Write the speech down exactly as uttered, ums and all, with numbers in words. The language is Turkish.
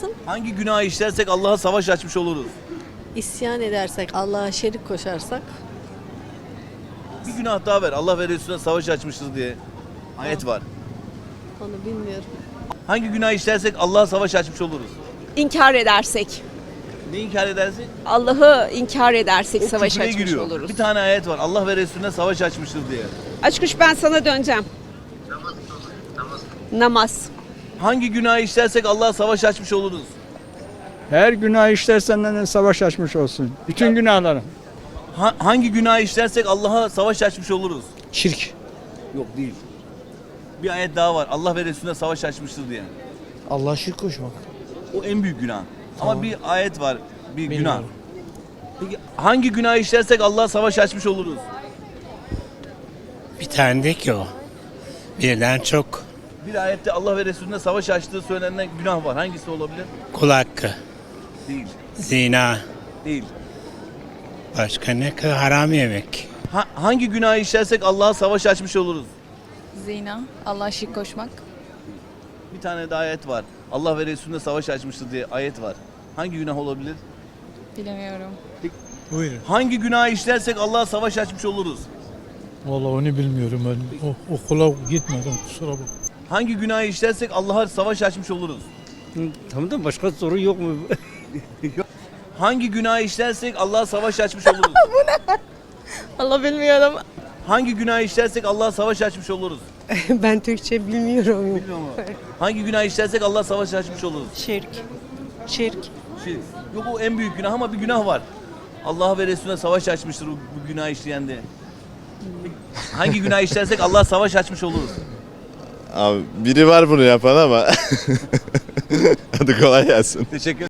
Hangi günah işlersek Allah'a savaş açmış oluruz? İsyan edersek, Allah'a şerik koşarsak, Bir günah daha ver. Allah ve Resulüne savaş açmışız diye ayet var. onu bilmiyorum. Hangi günah işlersek Allah'a savaş açmış oluruz? İnkar edersek, Ne inkar edersek? Allah'ı inkar edersek O savaş küfre açmış giriyor. oluruz. Bir tane ayet var. Allah ve Resulüne savaş açmışız diye. Açkuş ben sana döneceğim. Namaz. Hangi günah işlersek Allah'a savaş açmış oluruz? Her günah işlersenden savaş açmış olsun. Bütün günahlarım. Ha- hangi günah işlersek Allah'a savaş açmış oluruz? Şirk. Yok değil. Bir ayet daha var. Allah ve Resulüne savaş açmıştır diye. Allah şirk koşmak. O en büyük günah. Ama bir ayet var. Bir günah. Bilmiyorum. Peki hangi günah işlersek Allah'a savaş açmış oluruz? Bir tane de ki o. Birden çok. Bir ayette Allah ve Resulüne savaş açtığı söylenen günah var. Hangisi olabilir? Kul hakkı, Değil. zina, Değil. başka ne ki haram yemek. Ha- hangi günah işlersek Allah'a savaş açmış oluruz? Zina, Allah'a şirk koşmak. Bir tane de ayet var. Allah ve Resulüne savaş açmıştır diye ayet var. Hangi günah olabilir? Bilemiyorum. Buyurun. Hangi günah işlersek Allah'a savaş açmış oluruz? Vallahi onu bilmiyorum ben. O, okula gitmedim kusura bakma. Hangi günah işlersek Allah'a savaş açmış oluruz? Tamam da başka soru yok mu? Hangi günah işlersek Allah'a savaş açmış oluruz? Allah bilmiyorum. Hangi günah işlersek Allah'a savaş açmış oluruz? Ben Türkçe bilmiyorum. Bilmiyor musun? Hangi günah işlersek Allah'a savaş açmış oluruz? Şirk. Şirk. Şey, yok o en büyük günah ama bir günah var. Allah ve Resulüne savaş açmıştır bu, bu günah işleyen de. Hangi günah işlersek Allah'a savaş açmış oluruz? Abi biri var bunu yapan ama hadi kolay gelsin. Teşekkür